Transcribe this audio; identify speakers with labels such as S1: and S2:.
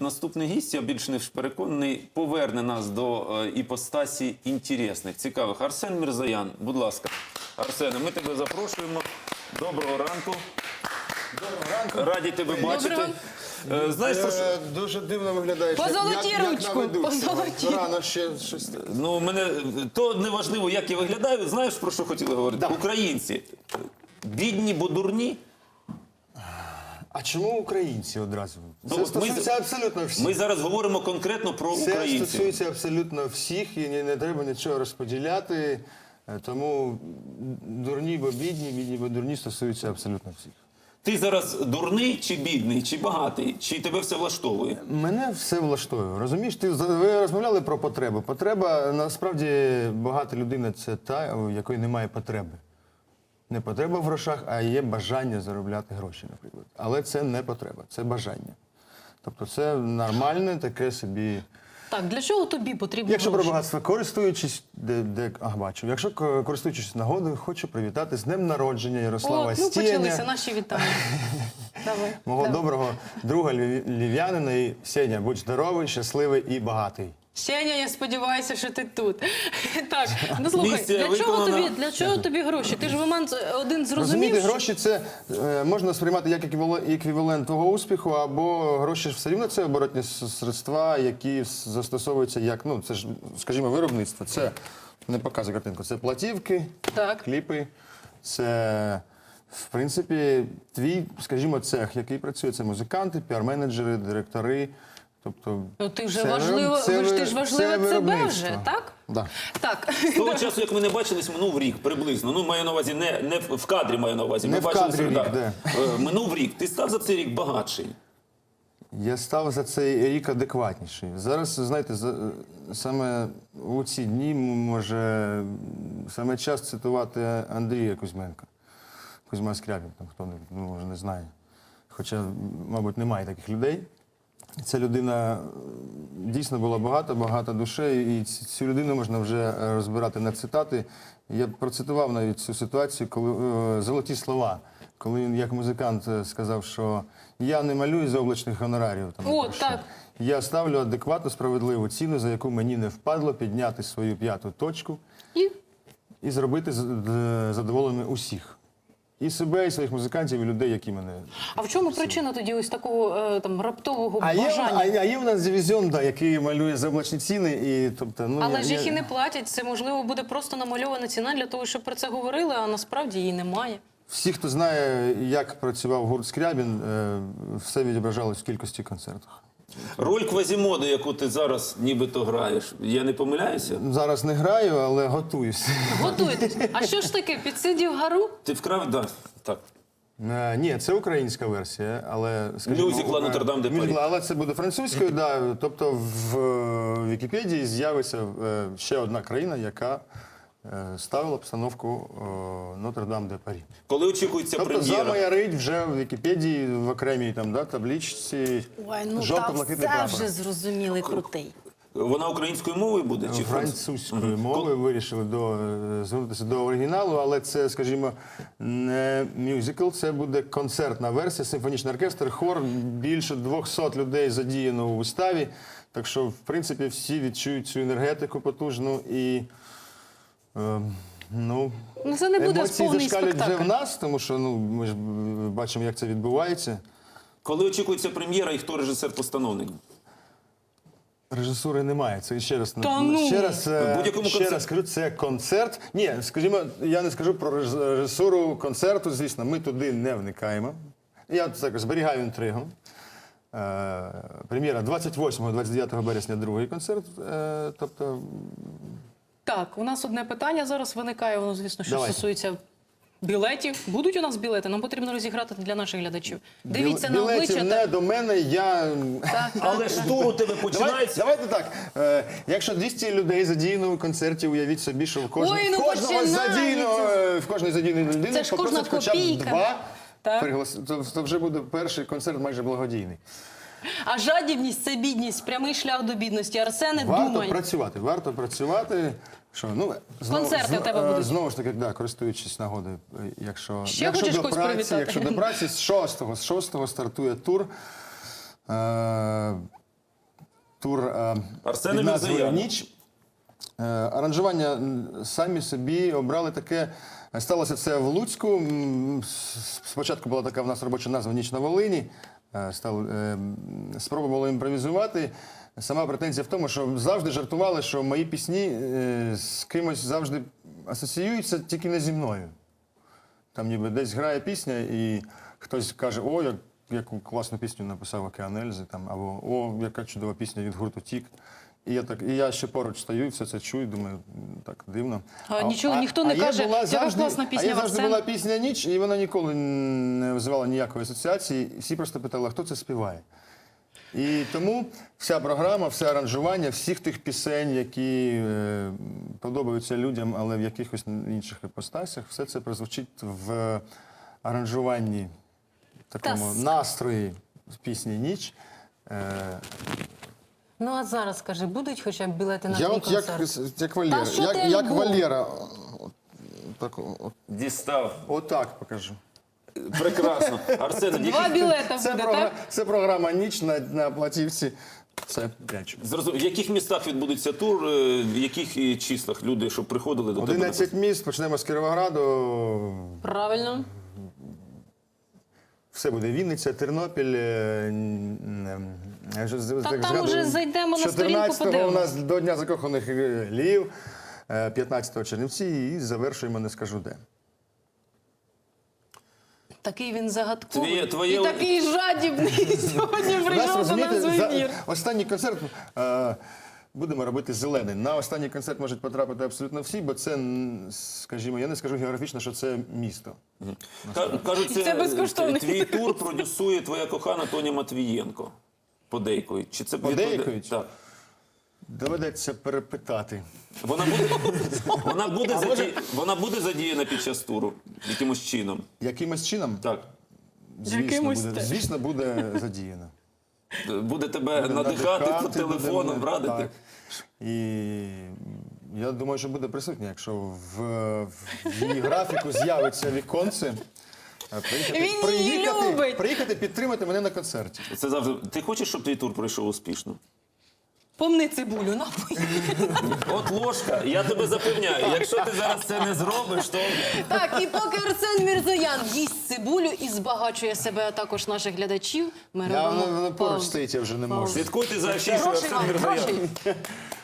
S1: наступний гість, я більш ніж переконаний, поверне нас до іпостасі інтересних, цікавих. Арсен Мірзоян, будь ласка. Арсене, ми тебе запрошуємо. Доброго ранку.
S2: Доброго ранку.
S1: Раді тебе бачити.
S2: Знаєш, дуже дивно виглядаєш.
S3: Позолоті ручку. Позолоті.
S2: Рано ще щось.
S1: Ну, то не важливо, як я виглядаю. Знаєш, про що хотіли говорити?
S2: Да.
S1: Українці. Бідні, бо дурні.
S2: А чому українці одразу? Це
S1: Ну,
S2: стосується абсолютно всіх.
S1: Ми зараз говоримо конкретно про
S2: Це
S1: українців.
S2: стосується абсолютно всіх і не треба нічого розподіляти. Тому дурні, бо бідні, бідні, бо дурні стосуються абсолютно всіх.
S1: Ти зараз дурний чи бідний, чи багатий, чи тебе все влаштовує?
S2: Мене все влаштовує. Розумієш, ви розмовляли про потребу. Потреба, насправді, багата людина – це та, у якої немає потреби. Не потреба в грошах, а є бажання заробляти гроші, наприклад. Але це не потреба, це бажання. Тобто це нормальне таке собі...
S3: Так, для чого тобі потрібно
S2: Якщо про
S3: гроші?
S2: багатство користуючись, бачу. Якщо користуючись нагодою, хочу привітати з днем народження Ярослава
S3: Ну,
S2: Стєня.
S3: почалися наші вітання. Давай.
S2: Мого доброго друга львів'янина. І Сеня, будь здоровий, щасливий і багатий.
S3: Сеня, я сподіваюся, що ти тут. Так, ну слухай,
S1: Місія
S3: для чого тобі гроші? Ти ж в момент один зрозумів,
S2: Розумієте,
S3: що...
S2: гроші це можна сприймати як еквівалент твого успіху, або гроші ж все рівно це оборотні средства, які застосовуються як, ну це ж, скажімо, виробництво. Це, не показує картинку, це платівки,
S3: Так.
S2: кліпи, це, в принципі, твій, скажімо, цех, який працює, це музиканти, піар-менеджери, директори. Тобто,
S3: Ну, ти ж
S2: це
S3: важливо себе
S2: виробництво.
S3: вже, так?
S2: Да.
S3: Так.
S1: З того часу, як ми не бачились, минув рік приблизно. Ну, маю на увазі, не в кадрі маю на увазі.
S2: Не
S1: Ми
S2: в
S1: бачились,
S2: кадрі рік,
S1: да.
S2: де.
S1: Минув рік. Ти став за цей рік багатший.
S2: Я став за цей рік адекватніший. Зараз, знаєте, саме у ці дні може саме час цитувати Андрія Кузьменка. Кузьма Скрябін, там хто може не знає. Хоча, мабуть, немає таких людей. Ця людина дійсно була багата душею, і цю людину можна вже розбирати на цитати. Я процитував навіть цю ситуацію, коли золоті слова, коли він як музикант сказав, що я не малюю за облачних гонорарів.
S3: О, так.
S2: Я ставлю адекватну, справедливу ціну, за яку мені не впадло підняти свою п'яту точку і зробити задоволеними усіх. І себе, і своїх музикантів, і людей, які мене...
S3: А в чому причина тоді ось такого там раптового бажання?
S2: А є у нас дивізіон, да, який малює за облачні ціни. І, тобто, ну,
S3: Але ж їх і не платять. Це, можливо, буде просто намальована ціна для того, щоб про це говорили, а насправді її немає.
S2: Всі, хто знає, як працював гурт Скрябін, все відображалось в кількості концертів.
S1: Роль Квазімоди, яку ти зараз нібито граєш, я не помиляюся?
S2: Зараз не граю, але готуюсь.
S3: Готуйтесь. А що ж таке, підсидів гару?
S1: Ти вкрав? Да. Так.
S2: Ні, це українська версія, але...
S1: Мюзикла «Нотр-Дам де Парі».
S2: Мюзикла, але це буде французькою, да. Тобто в Вікіпедії з'явиться ще одна країна, яка ставила постановку «Нотр-Дам де Парі».
S1: Коли очікується
S2: Тобто
S1: прем'єра?
S2: замаярить вже в Вікіпедії в окремій там, да, табличці
S3: Ой, ну
S2: жовто-блакитний
S3: та
S2: прапор.
S3: вже зрозумілий крутий.
S1: Вона українською мовою буде? Чи
S2: Французькою мовою вирішили звернутися до оригіналу, але це, скажімо, не мюзикл, це буде концертна версія, симфонічний оркестр, хор, більше 200 людей задіяно у виставі, так що, в принципі, всі відчують цю енергетику потужну і,
S3: Ну, це не буде
S2: емоції
S3: повний
S2: зашкалюють вже
S3: спектакль.
S2: в нас, тому що ми ж бачимо, як це відбувається.
S1: Коли очікується прем'єра і хто режисер-постановник?
S2: Режисури немає. Це ще раз,
S3: ну!
S2: ще раз кажу, це концерт. Ні, скажімо, я не скажу про режисуру концерту, звісно, ми туди не вникаємо. Я так зберігаю інтригу. Прем'єра 28-29 березня, другий концерт. Тобто...
S3: Так, у нас одне питання зараз виникає, воно, звісно, що
S2: Давайте.
S3: стосується білетів. Будуть у нас білети? Нам потрібно розіграти для наших глядачів. Дивіться на
S2: Білетів
S3: обличчя.
S2: не до мене, я...
S1: Але ж тур у тебе починається.
S2: Давайте так. Якщо 200 людей задіяно у концерті, уявіть собі, що в кожного в кожної задіяної людини
S3: Це ж кожна
S2: попросить хоча б
S3: копійка.
S2: 2
S3: Так.
S2: пригласити. То вже буде перший концерт майже благодійний.
S3: А жадібність – це бідність, прямий шлях до бідності. Арсене, думай.
S2: Варто працювати. Що, ну,
S3: Концерти в тебе будуть.
S2: Знову ж таки, да, користуючись нагодою, якщо
S3: хочеш когось привітати?
S2: якщо до праці, з 6-го стартує тур. тур
S1: Арсен
S2: під назвою
S1: Мірзоян.
S2: «Ніч». Аранжування самі собі обрали таке. Сталося це в Луцьку. Спочатку була така в нас робоча назва «Ніч на Волині». Спробували імпровізувати. Сама претензія в тому, що завжди жартували, що мої пісні з кимось завжди асоціюються, тільки не зі мною. Там ніби десь грає пісня, і хтось каже: о, яку класну пісню написав «Океан Ельзи», там, або «О, яка чудова пісня від гурту «Тік». І я ще поруч стою, і все це чую, думаю, так дивно.
S3: Нічого, ніхто не каже, яка класна пісня
S2: А є
S3: в
S2: завжди
S3: Арсена.
S2: була пісня «Ніч», і вона ніколи не визивала ніякої асоціації. Всі просто питали, а хто це співає. І тому вся програма, все аранжування, всіх тих пісень, які подобаються людям, але в якихось інших іпостасях, все це прозвучить в аранжуванні, такому настрої пісні «Ніч».
S3: Ну а зараз, скажи, будуть хоча б білети на
S2: Я
S3: твій
S2: от
S3: концерт?
S2: як Валера,
S3: Та що ти,
S2: як
S3: Альбом?
S2: Валера, так,
S1: Дістав.
S2: отак покажу.
S1: Прекрасно. Арсене,
S3: Два білета
S2: Це,
S3: буде, так?
S2: це програма «Ніч» на платівці. Це прячу.
S1: в яких містах відбудеться тур, в яких числах люди, щоб приходили до тебе?
S2: 11 міст, почнемо з Кіровограду.
S3: Правильно.
S2: Все буде Вінниця, Тернопіль.
S3: Там уже зайдемо на сторінку,
S2: 14-го у
S3: подивимось.
S2: нас до Дня закоханих Львів, 15-го Чернівці і завершуємо, не скажу де.
S3: Такий він загадковий.
S1: Твоє-
S3: І такий жадібний сьогодні прийшов до нас в ефір.
S2: Останній концерт будемо робити зелений. На останній концерт можуть потрапити абсолютно всі, бо це, скажімо, я не скажу географічно, що це місто.
S1: Кажуть,
S3: Це безкоштовний.
S1: твій тур продюсує твоя кохана Тоня Матвієнко. Подейкують. Чи це
S2: Подейкують?
S1: Так.
S2: Доведеться перепитати.
S1: Вона буде задіяна під час туру якимось чином.
S2: Якимось чином?
S1: Так.
S2: Звісно, буде задіяно.
S1: Буде тебе надихати по телефону,
S2: буде,
S1: радити.
S2: так. І я думаю, що буде присутня, якщо в її графіку з'явиться віконце.
S3: Він її любить.
S2: Приїхати підтримати мене на концерті.
S1: Це завжди. Ти хочеш, щоб твій тур пройшов успішно?
S3: Помни цибулю, напий.
S1: От ложка, я тебе запевняю, якщо ти зараз це не зробиш, то
S3: Так, і поки Арсен Мірзоян їсть цибулю і збагачує себе, а також наших глядачів, ми робимо
S2: Вона поруч
S3: паузу.
S2: стоїть, я вже не можу.
S1: слідкуйте за афішою
S3: Грошей
S1: Арсен
S3: вам,
S1: Мірзоян.
S3: грошей.